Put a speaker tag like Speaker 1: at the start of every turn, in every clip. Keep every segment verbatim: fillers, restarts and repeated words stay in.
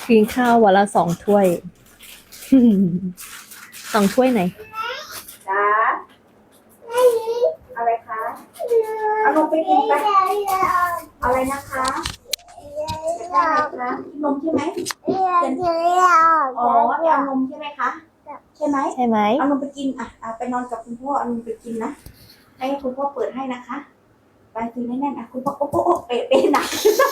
Speaker 1: กินข้าววันละสองถ้วย สองถ้วยไหน
Speaker 2: จ้าอะไรคะเอานมไปกินไปอะไรนะคะได้คะนมใช่ไหมอ๋อเอานมใช่ไหมคะใช่ไหม
Speaker 1: ใช่ไหม
Speaker 2: เอานมไปกินอ่ะเอาไปนอนกับคุณพ่อเอานมไปกินนะให้คุณพ่อเปิดให้นะคะไปกินแน่นๆอ่ะคุณพ่อโอ้โหเป๊ะเป๊ะหนัก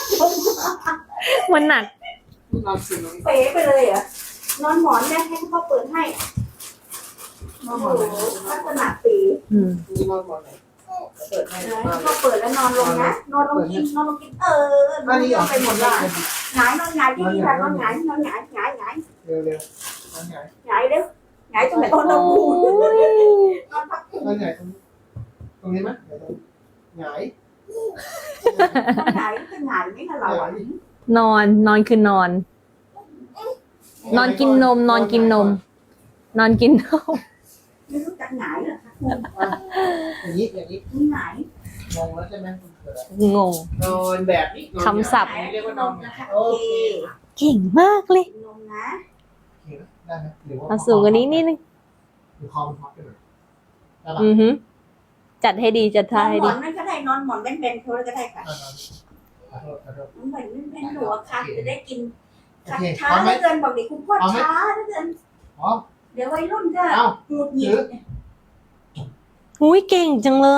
Speaker 1: มันหนัก
Speaker 2: เป๊ะไปเลยเหรอนอนหมอนแม่ให้คุณพ่อเปิดให้โอ้โหลักษณะปี
Speaker 1: อืม
Speaker 3: นอนหมอนไหนเปิดให้
Speaker 2: พ่อเปิดแล้วนอนลงนะนอนลงกินนอนลงกินเออนอนลงไปหมดเลยหงายนอนหงายที่นี่ค่ะนอนหงายนอนหงายหงายหงาย
Speaker 3: เร็วเร็วๆนอนหงาย
Speaker 2: หงายเร็วหงายตรงไหนนอนตรงหูนอนพักหู
Speaker 3: นอนหงายตรงตรงนี้ไหมเดี๋ยวหงาย
Speaker 2: นอนหงายเป็นหงายไม่ค่ะเราอ่ะ
Speaker 1: นอนนอนคือนอน นอนกินนม นอนกินนม นอนกินนม
Speaker 2: ไม่รู้จักหงายเหรอคะ
Speaker 3: อย่างนี้อย่างนี้
Speaker 2: นี่หงาย
Speaker 3: งงแล้วใช่ไหม
Speaker 1: งง
Speaker 3: นอนแบบนี้
Speaker 1: คำศัพท์
Speaker 3: เรียกว่านอน
Speaker 2: นะคะ
Speaker 3: โอ
Speaker 2: โอ
Speaker 3: เค
Speaker 2: เค
Speaker 1: เก่งมากเลย
Speaker 2: นมนะ
Speaker 3: ได้ไหมหรือว่า
Speaker 1: เอาสูงกว่านี้นิดนึง
Speaker 3: หรือคอมันพับไปหน่อยได้ปะ
Speaker 1: อือฮึจัดให้ดีจัด
Speaker 2: น
Speaker 1: ท่า
Speaker 2: อน
Speaker 1: ให้
Speaker 2: หม
Speaker 1: ดี
Speaker 2: อนนั่นก็ได้นอนหมอนแบนๆเขาก็ได้ค่ะ
Speaker 3: นอนนอนขอโทษขอโทษ
Speaker 2: เหมือนแบนๆหนูอะค่ะจะได้กิน
Speaker 3: โอเค
Speaker 2: ช้า
Speaker 3: พร้อมไหม
Speaker 2: เหลือเกินบอกดิคุณพ่อ
Speaker 3: พร้อมไหม
Speaker 2: ช้าเหลือเกิน
Speaker 3: พร้อม
Speaker 2: เดี๋ยววัยรุ่นก็
Speaker 3: เอ้า
Speaker 2: หงุดหงิด
Speaker 1: อุ้ยเก่งจังเลย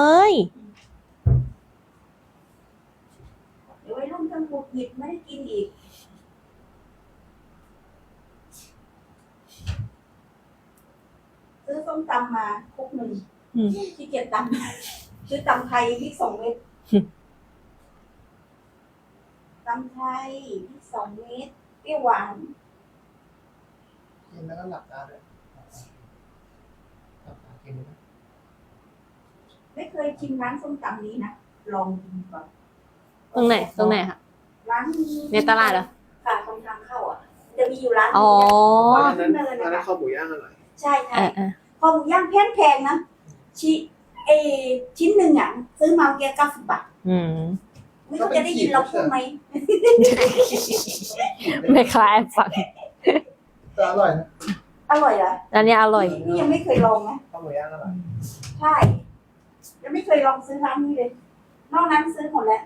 Speaker 2: เดี๋ยววัยรุ่นก็หงุดหงิดไม่ได้กินอีกซื้อส้มตำมาคุกหนึ่ง
Speaker 1: อืม
Speaker 2: ขี้เกียจตำซื้อตำไทยพริกสองเม็ด
Speaker 1: อืม
Speaker 2: ตำไทยพริกสองเม็ดเปรี้ยวหวาน
Speaker 3: กินแล้วก็หลับตาเลยหลับตากินเลยนะ
Speaker 2: ไม่เคยชิมร้านส้มตำนี้นะลองกินก่อน
Speaker 1: ตรงไหน ตรงไหนคะ
Speaker 2: ร้าน
Speaker 1: ในตลาดเหรอ
Speaker 2: ค่ะตรงทางเข้าอ่ะ จะมีอยู่ร้าน
Speaker 1: อ๋อ
Speaker 3: อันนั้นอันนั้นข้าวหมูย่างอร่อย
Speaker 2: ใช่
Speaker 1: เอ
Speaker 2: ใช่
Speaker 1: อเออ
Speaker 2: พอหมูย่างแพงแพงนะชิเอชิ้นหนึ่งอ่ะซื้อมาแค่เก้าสิบบาท
Speaker 1: อืม
Speaker 2: ไม่รู้จะได้ยินเราพูดไหม
Speaker 1: ไม่คล้ายฟัง
Speaker 3: แต่อร่อยนะ
Speaker 2: อร่อยเหรอ
Speaker 1: อันนี้อร่อย
Speaker 2: นี่ยังไม่เคยลองนะ
Speaker 3: ข้าวหมูย่างอร่อย
Speaker 2: ใช่ยังไม่เคยลองซื้อร้านนี้เลย นอกนั้นซื้อหมดแล้ว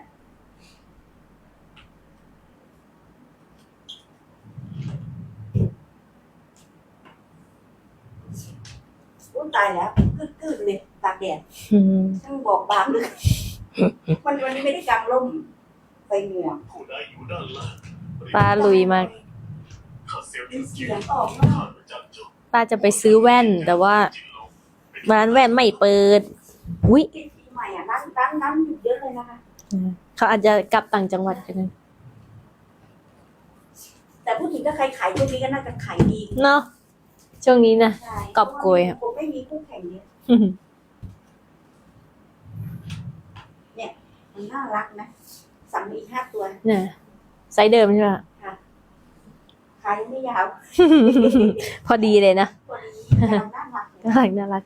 Speaker 2: อุ้ยตายแล้วกึดๆเลยตากแดด
Speaker 1: อืม
Speaker 2: ช่างบอกบางเลยวันวันนี้ไม่ได้กางร่มไปเหงื่อ
Speaker 4: ผู้ใดอยู่ด้านล่าง
Speaker 1: ปลาลุยมาก
Speaker 4: ข้าเสียว
Speaker 2: มี
Speaker 4: จิ้ง
Speaker 2: เสี
Speaker 4: จื
Speaker 2: ย
Speaker 4: ด
Speaker 2: งออกมา
Speaker 4: ข้ารู้จักเจ้า
Speaker 1: ป้าจะไปซื้อแว่น แต่ว่าร้านแว่นไม่เปิด อุ้ย
Speaker 2: ปีใหม่อ่ะร้านร้านน้ำหยุดเยอะเลยนะคะ
Speaker 1: เขาอาจจะกลับต่างจังหวัดกัน
Speaker 2: แต่พูดถึงก็ใครขายช่วงนี้ก็น่าจะขายดี
Speaker 1: เนาะช่วงนี้นะ
Speaker 2: ใช่
Speaker 1: กอบโกยอะ
Speaker 2: ผมไม่มีคู่แข่งเนี่ยมันน่ารักนะสั่งมาอีกห้าตัว
Speaker 1: เนี่ยไซส์เดิมใช่ไหม
Speaker 2: ขายไม่ยาว
Speaker 1: พอดีเลยนะ
Speaker 2: ตัวนี้ยาวน่ารักเลย
Speaker 1: น่ารักน่ารัก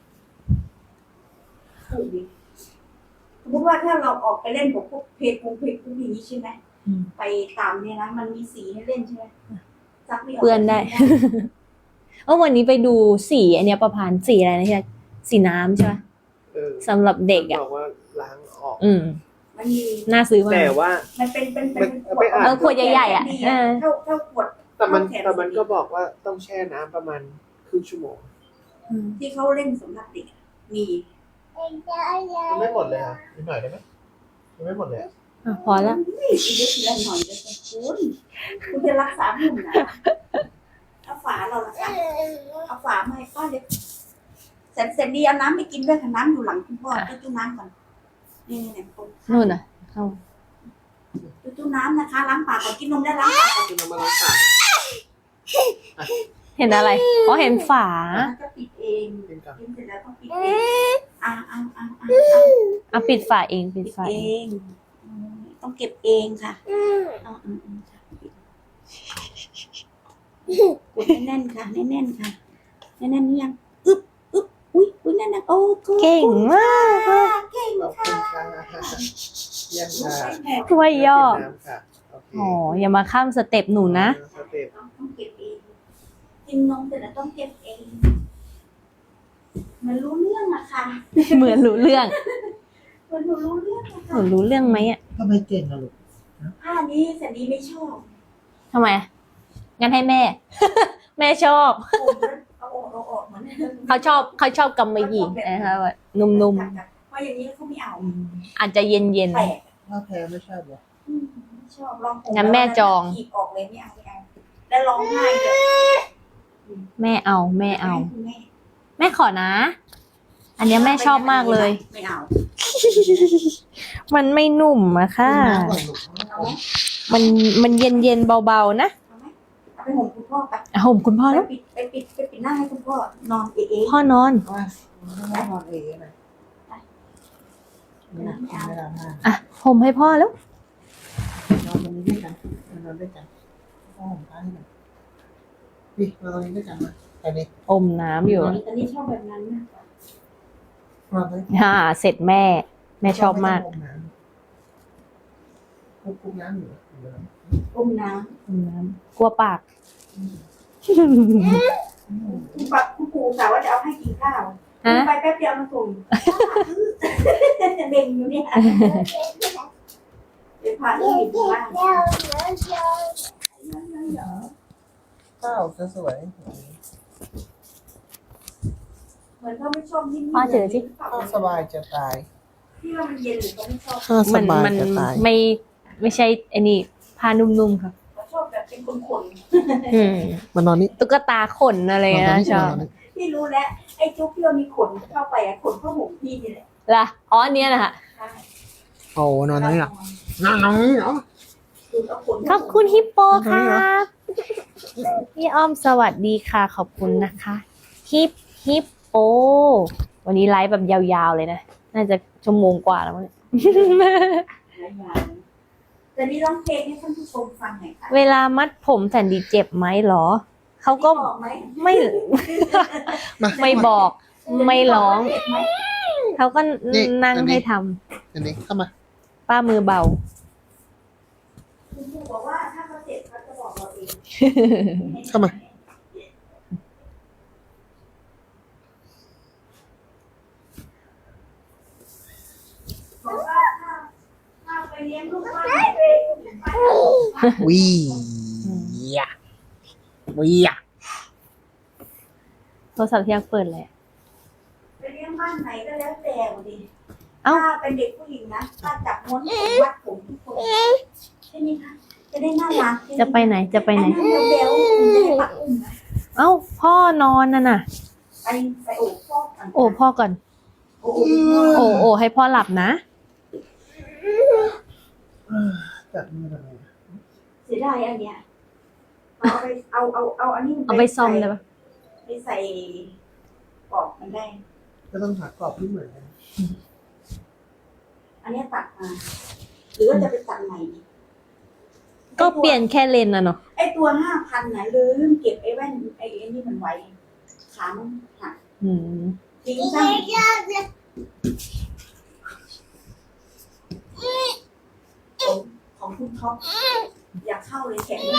Speaker 2: ถูกดีสมมติว่าถ้าเราออกไปเล่นกับพวกเพจพวกเพจพวกนี้ใช่ไหม
Speaker 1: อืม
Speaker 2: ไปตามเนี่ยนะมันมีสีให้เล่นใช่ไหมซักไม่ออก
Speaker 1: เปื้อนได้ เออวันนี้ไปดูสีอันเนี้ยประพานสีอะไรนะที่สีน้ำใช่ไหม
Speaker 3: เออ
Speaker 1: สำหรับเด็กอ่ะ
Speaker 3: บอกว่าล้างออก
Speaker 1: อืม
Speaker 2: มันมี
Speaker 1: น่าซื้อมาก
Speaker 3: แต่ว่า
Speaker 2: มันเป็นเป็นเป็น
Speaker 3: มันไปอ่าน
Speaker 1: เออขวดใหญ่ๆอ่ะเออ
Speaker 2: เท่าเท่าขวด
Speaker 3: แต่มันแต่มันก็บอกว่าต้องแช่น้ำประมาณครึ่งชั่วโมง
Speaker 2: ที่เขาเล่นสำหรับเด็กอะมี
Speaker 3: มันไม่หมดเลยอ่ะนิดหน่อยได้ไหมมันไม่หมดเลยอะ
Speaker 1: อ่ะพอแล้ว
Speaker 2: นี่ทีเดียวทีละหน่อยเลยคุณคุณจะรักษาหุ่นนะเอาฝาเราละค่ะเอาฝามาให้ป้าเล็กเสร็จเสร็จดีเอาน้ำไปกินด้วยค่ะน้ำอยู่หลังคุณพ่อจุ๊จุ๊น้ำก่อนนี่นี่นี่คน
Speaker 1: นู่นน่ะเข้า
Speaker 2: จุ๊จุ๊น้ำนะคะล้างปากก่อนกินนมได้ล้างปากก่อน
Speaker 3: คุณเอามาล้างปาก
Speaker 1: เห็นอะไรอ๋อเห็นฝา
Speaker 2: แล้วก็ปิดเอง
Speaker 3: กินก่อน
Speaker 2: กินเสร็จแล้วต้องปิดเองอ่าอ่าอ่าอ่า
Speaker 1: อ่ะปิดฝาเองปิด
Speaker 2: ปิด
Speaker 1: ฝา
Speaker 2: เอ
Speaker 1: เอง
Speaker 2: งอืมต้องเก็บเองค่ะเอาอืมอืมค่ะกดแน่นๆค่ะแน่นๆค่ะแน่นๆนี่ยังอึ๊บอึ๊บอุ้ยอุ้ยแน่นๆโอ้
Speaker 1: เก่งมาก
Speaker 2: เก่ง
Speaker 3: ขอบคุ
Speaker 2: ค่ะ
Speaker 3: ณค่ะเยี่ยมค่ะ
Speaker 1: ถ้วยย่อ
Speaker 3: น้ำค่ะโอเค
Speaker 1: อ๋ออย่ามาข้ามสเต็ปหนูนะ
Speaker 3: สเต็ป
Speaker 2: ต้องต้องเก็บเองกินนมเสร็จแล้วต้องเก็บเองมันรู้เรื่องอะค่ะ
Speaker 1: เหมือนรู้เรื่อง
Speaker 2: มันรู้เรื่องอะ
Speaker 1: ห
Speaker 2: ค่ะ
Speaker 1: นูรู้เรื่องไหมอ่ะ
Speaker 3: ทำไมเก่งอะลูก
Speaker 2: ผ้านี้แสนดีไม่ชอบ
Speaker 1: ทำไมอะงั้นให้แม่ แม่ชอบ
Speaker 2: ผมเอาออกเอาออกเหมือน
Speaker 1: เขาชอบเขาชอบกำมะหยี่นะคะแบบนุ่ม
Speaker 2: เพราะอย่างนี้เขาไม่เอา
Speaker 1: ๆ อาจจะเย็น
Speaker 2: แปลก
Speaker 3: ถ้าแพ้ไม่ชอบเหรอ
Speaker 2: อืมไม่ชอบลองผม
Speaker 1: งั้นแม่จอง
Speaker 2: ขีบออกเลยไม่เอาไม่เอาแล้วร้องไห้เลย
Speaker 1: ๆ แม่เอาแม่เอา
Speaker 2: คุณแม่
Speaker 1: แม่ขอนะ อันเนี้ยแม่ชอบมากเลย
Speaker 2: ไม่เอา
Speaker 1: มันไม่นุ่มอะค่ะ
Speaker 3: น้ำก่อนลูก
Speaker 2: เอาไหม
Speaker 1: มันมันเย็นเย็นๆเบาๆนะ
Speaker 2: เอาไหมเอาไปห่มคุณพ่อไป
Speaker 1: อ่ะห่มคุณพ่อ
Speaker 2: ไป
Speaker 1: แล้ว
Speaker 2: ปิดไปปิดไปปิดหน้าให้คุณพ่อนอนเอ๋
Speaker 1: พ่อนอน
Speaker 3: ว่าไม่นอนเองไหมไม่นอนไม่นอนห้า
Speaker 1: อ่ะห่มให้พ่อแล้ว
Speaker 3: นอนตรงนี้ด้วยกันนอนด้วยกันพ่อผมพาให้หน่อยดินอนตรงนี้ด้วยกันมาไปดิ
Speaker 1: อมน้ำอยู่
Speaker 2: ตอนนี้ตอนนี้ชอบแบบนั้นนะ
Speaker 3: นอนเลย
Speaker 1: ฮ่าเสร็จแม่ แม่ชอบมาก
Speaker 3: คุกคุกน้ำอยู่
Speaker 2: อมน้
Speaker 1: อมน้ำกลัวปาก
Speaker 2: ำคุณปะคุณครูกะว่าจะเอาให้กินข้าว
Speaker 1: ฮะ
Speaker 2: ไปแป๊บเดียวมาส่งเบ่งอยู่เนี่ยเดี๋ยวพาเรื่องอยู่บ้าน
Speaker 3: ข้าวสวย
Speaker 2: เหมือนเขาไม่ชอบนิ่มๆ
Speaker 1: พ่อเจอสิ
Speaker 3: ข้าวสบายจะตาย
Speaker 2: ที่ว่ามันเย็นหรือเขาไม่ชอบ
Speaker 3: ข้าวส
Speaker 1: มัน
Speaker 3: บาย
Speaker 1: มัน
Speaker 3: จะตาย
Speaker 1: ไม่ไม่ใช่ไอ้นี่ผ้านุ่มๆค่ะ
Speaker 2: เขาชอบแบบเป็นคนขน
Speaker 1: อืม
Speaker 3: มานอนนี่
Speaker 1: ตุ๊กตาขนอะไร
Speaker 3: นอนตรง
Speaker 1: นะ
Speaker 3: นี้
Speaker 1: ชอบ
Speaker 3: นอนนี่
Speaker 2: พี่รู้แล้วไอ้จุ๊บที่เรามีขนเข้าไปอะขนเข้าห่มพี่นี่แหละ
Speaker 1: ล่ะอ๋ออันเนี้ยนะคะ
Speaker 2: ใช่
Speaker 3: โอ้นอนตรงนี้เหรอนอนตรงนี้เหรอ
Speaker 2: คือเอาขน
Speaker 1: ขอบคุณฮิปโป
Speaker 3: ขอบคุณ
Speaker 1: ค
Speaker 3: ครั
Speaker 1: รับ พี่อ้อมสวัสดีค่ะ ขอบคุณนะคะฮิปฮิปโปวันนี้ไลฟ์แบบยาวๆเลยนะ น่าจะชั่วโมงกว่าแล้วมั้งเนี่ย
Speaker 2: แต่นี่ร้องเพลงให้ท่านผู้ชมฟังหน่อยค่ะ
Speaker 1: เวลามัดผมแสนดีเจ็บไหมหรอ เขาก็
Speaker 2: บอกไหม
Speaker 1: ไม่ ไม่บอก ไม่ร้อง
Speaker 2: เจ็บไหม
Speaker 1: เขาก็นั่งให้ท
Speaker 3: อันนี้เข้ามา
Speaker 1: ำป้ามือเบา
Speaker 2: คุณครูบอกว่าถ้าเขาเจ็บเขาจะบอกเราเอง
Speaker 3: เข้ามา
Speaker 2: บอกว่าถ้าถ้าไปเลี้ยงลูกบ้าน
Speaker 3: วียะวียะ
Speaker 1: โทรศัพท์ที่ยังเปิดเลย
Speaker 2: ไปเลี้ยงบ้านไหนก็แล้วแต่ดิ
Speaker 1: เอ้า
Speaker 2: ถ้าเป็นเด็กผู้หญิงนะถ้าจับม้วนผมวัดผมทุกคนใช่ไหมคะจะได้น่ารัก
Speaker 1: จะไปไหนจะไปไหน
Speaker 2: อันนั้นเบลๆคุณจะได้ปักอุ้มนะ
Speaker 1: เอ้า พ่อนอนน่ะน่ะ
Speaker 2: ไปไปโอบพ่อก่อน
Speaker 1: โอ้พ่อก่อน
Speaker 2: โอ้โห
Speaker 1: โอ้โอ้ให้พ่อหลับนะ
Speaker 3: จัดมือหน่อย
Speaker 2: เสียดายอันเนี้ยเอาไปเอาเอาเอาอันนี้
Speaker 1: เอาไปซ่อมได้ปะ
Speaker 2: ไปใส่ปอกมันได้
Speaker 3: ก็ต้องหากรอบที่เหมือนกัน
Speaker 2: อันเนี้ยตัดมาหรือว่าจะไปตัดใหม่ดี
Speaker 1: ก็เปลี่ยนแค่เลนส์น่ะเนาะ
Speaker 2: ไอตัวห้าพันไหนะลืมเก็บไอ้แว่นไอ้ไอ้นี่มันไว้ขามันหัก
Speaker 1: อืม
Speaker 2: ทิ้งซะของของคุณท็อปอยากเข้าเลยแขน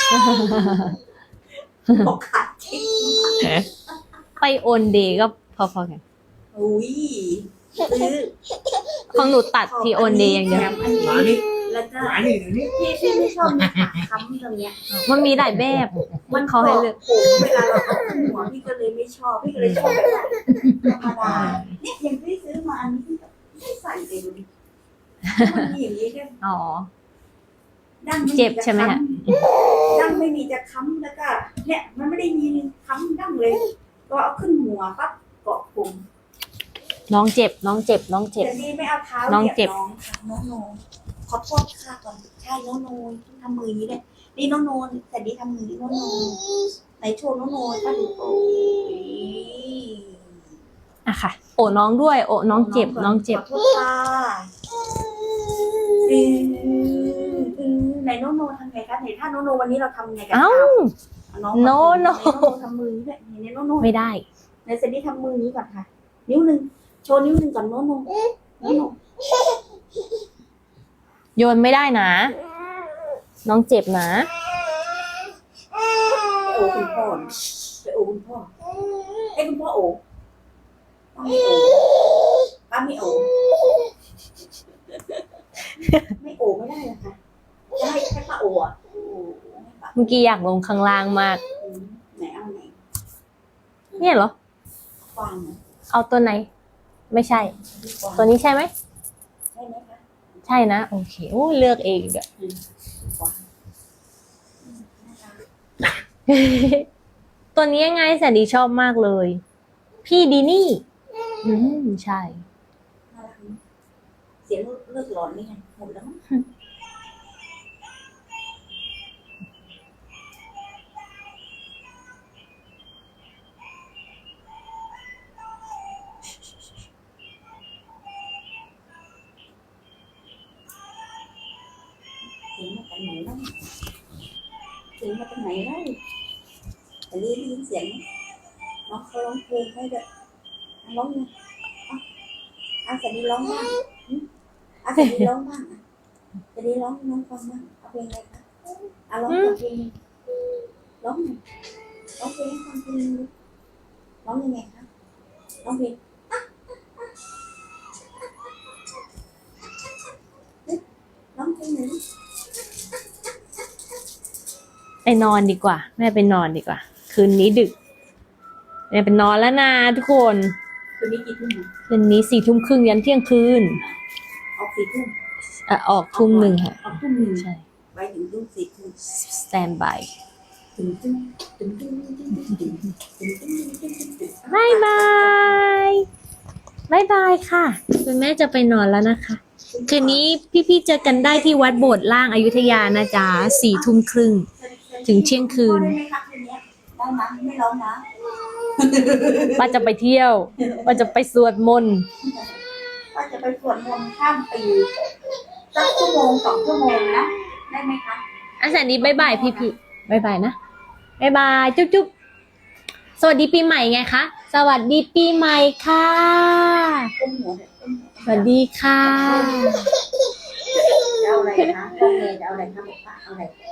Speaker 2: บอกขาดจริง
Speaker 1: ไปโอนเดย์ก็พอๆกัน
Speaker 2: อุ้ยซื้อ
Speaker 1: ของหนูตัดที่โอนเดย์อย่างเดียว
Speaker 2: แถมอัน
Speaker 3: หมา
Speaker 2: นี้
Speaker 3: นี่
Speaker 2: แล้วก็
Speaker 3: หมานี่เดี๋ยวนี้
Speaker 2: พี่พี่ไม่ชอบมีขาค้ำตรงเนี้ย
Speaker 1: มันมีหลายแบบมันเขาให้เลือก
Speaker 2: ผมเวลาเราเอาขึ้นหัวพี่ก็เลยไม่ชอบพี่ก็เลยชอบแบบธรรมดาเนี่ยอย่างที่ซื้อมาอันนี้พี่แบบไม่ใส่เลยดูดิมันมีอย่างนี้แค่
Speaker 1: อ๋อ
Speaker 2: ดั้งไม่มี
Speaker 1: เจ็บใช่ไหมฮะ
Speaker 2: ดั้งไม่มีจะค้ำแล้วก็ เนี่ยมันไม่ได้มีค้ำดั้งเลยก็เอาขึ้นหัวปั๊บเกาะผม
Speaker 1: น้องเจ็บ น้องเจ็บ น้องเจ็บ
Speaker 2: แต่นี่ไม่เอาเท้า
Speaker 1: น้องเจ็บ
Speaker 2: หยียน้องค่ะน้องโนขอโทษค่ะก่อนใช่น้องโนทำมืออย่างนี้เลยนี่น้องโนแต่นี่ทำมือนี่น้องโนไหนโชว์น้องโนป้าดูโอ้ย
Speaker 1: อ่ะค่ะ โอ้น้องด้วย โอ้น้องเจ็บ น้องเจ็บ
Speaker 2: ขอโทษค่ะอืมอืมไหนน้องโนทำไงคะไหนถ้าน้องโนวันนี้เราทำไงกัน
Speaker 1: เอ้า
Speaker 2: น้อง
Speaker 1: โนโน
Speaker 2: น้องโนทำมือด้วยไหนน้องโน
Speaker 1: ไม่ได้
Speaker 2: ในเซนนี่ทำมือนี้ก่อนค่ะ นิ้วหนึ่งโชว์นิ้วหนึ่งก่อนโน้นโน้นโน้นโน้น
Speaker 1: โยนไม่ได้นะน้องเจ็บนะ
Speaker 2: ไปโอคุณพ่อนะไปโอคุณพ่อให้คุณพ่อโอป้าไม่โอป้าไม่โอไม่โอไม่ได้นะคะจะให้ให้ป้าโออ่ะโอ้ให้ป้า
Speaker 1: เมื่อกี้อยากลงข้างล่างมาก
Speaker 2: อืมไหนเอาไหน
Speaker 1: เนี่ยเหรอ
Speaker 2: กวางนะ
Speaker 1: เอาตัวไหน ไม่ใช่
Speaker 2: กวาง
Speaker 1: ตัวนี้ใช่ไหม
Speaker 2: ใช่ไหมคะ
Speaker 1: ใช่นะ โอเคโอ้เลือกเองอะ
Speaker 2: กวาง
Speaker 1: ตัวนี้ยังไงแสนดีชอบมากเลย พี่ดีนี่ อืมใช่
Speaker 2: น่ารักนะเสียงเลือดร้อนนี่ไงหมดแล้วมั้งเสียงมาจากไหนแล้วเสียงมาจากไหนแล้วแต่ได้ยินเสียงไหมน้องเขาร้องเพลงให้ด้วยอ่ะร้องไงอ่ะอาสดีร้องบ้างหึอาสดีร้องบ้างอ่ะสดีร้องให้น้องฟังบ้างเอาเพลงอะไรคะอ่ะร้องสักเพลงหนึ่งร้องหน่อยร้องเพลงให้ฟังเพลงหนึงร้องยังไงคะร้องเพลงร้องเพลงหนึ่ง
Speaker 1: ไปนอนดีกว่า แม่ไปนอนดีกว่า คืนนี้ดึกแม่ไปนอนแล้วนะทุกคน
Speaker 2: คืนนี้กี่ทุ่มอ่ะ
Speaker 1: คืนนี้สี่ทุ่มครึ่งยันเที่ยงคืน
Speaker 2: ออกสี่ทุ่ม
Speaker 1: อ่ะออกทุ่มหนึ่งค่ะ
Speaker 2: ออกทุ่มหนึ่ง
Speaker 1: ใช่
Speaker 2: ไปถึงทุ่มสี่ทุ่ม
Speaker 1: สแตนบาย
Speaker 2: ถึงทุ่มถึงทุ่มถึงทุ่มถึงทุ่มถึงทุ่มถึงทุ่ม
Speaker 1: บายบายบายบายค่ะ คุณแม่จะไปนอนแล้วนะคะ คืนนี้พี่ๆเจอกันได้ที่วัดโบสถ์ล่างอยุธยานะจ๊ะสี่ทุ่มครึ่ง ถึงเที่ยงคืน
Speaker 2: ได้ไหมคะคืนนี้ได้ไหมไม่ร้องนะ
Speaker 1: ว่าจะไปเที่ยว ว่าจะไปสวดมนต์
Speaker 2: ว่าจะไปสวดมนต์ข้ามปีสักชั่วโมงสองชั่วโมงนะได้ไหมคะ
Speaker 1: อันแสนดีบายบายพี่ๆบายบายนะบายบายจุ๊บจุ๊บสวัสดีปีใหม่ไงคะ สวัสดีปีใหม่ค่ะ
Speaker 2: ต้มหัวเด็ดต้มหัว
Speaker 1: สวัสดีค่ะ
Speaker 2: จะเอาอะไรคะต้มเลยจะเอาอะไรคะบอกป้าเอาอะไร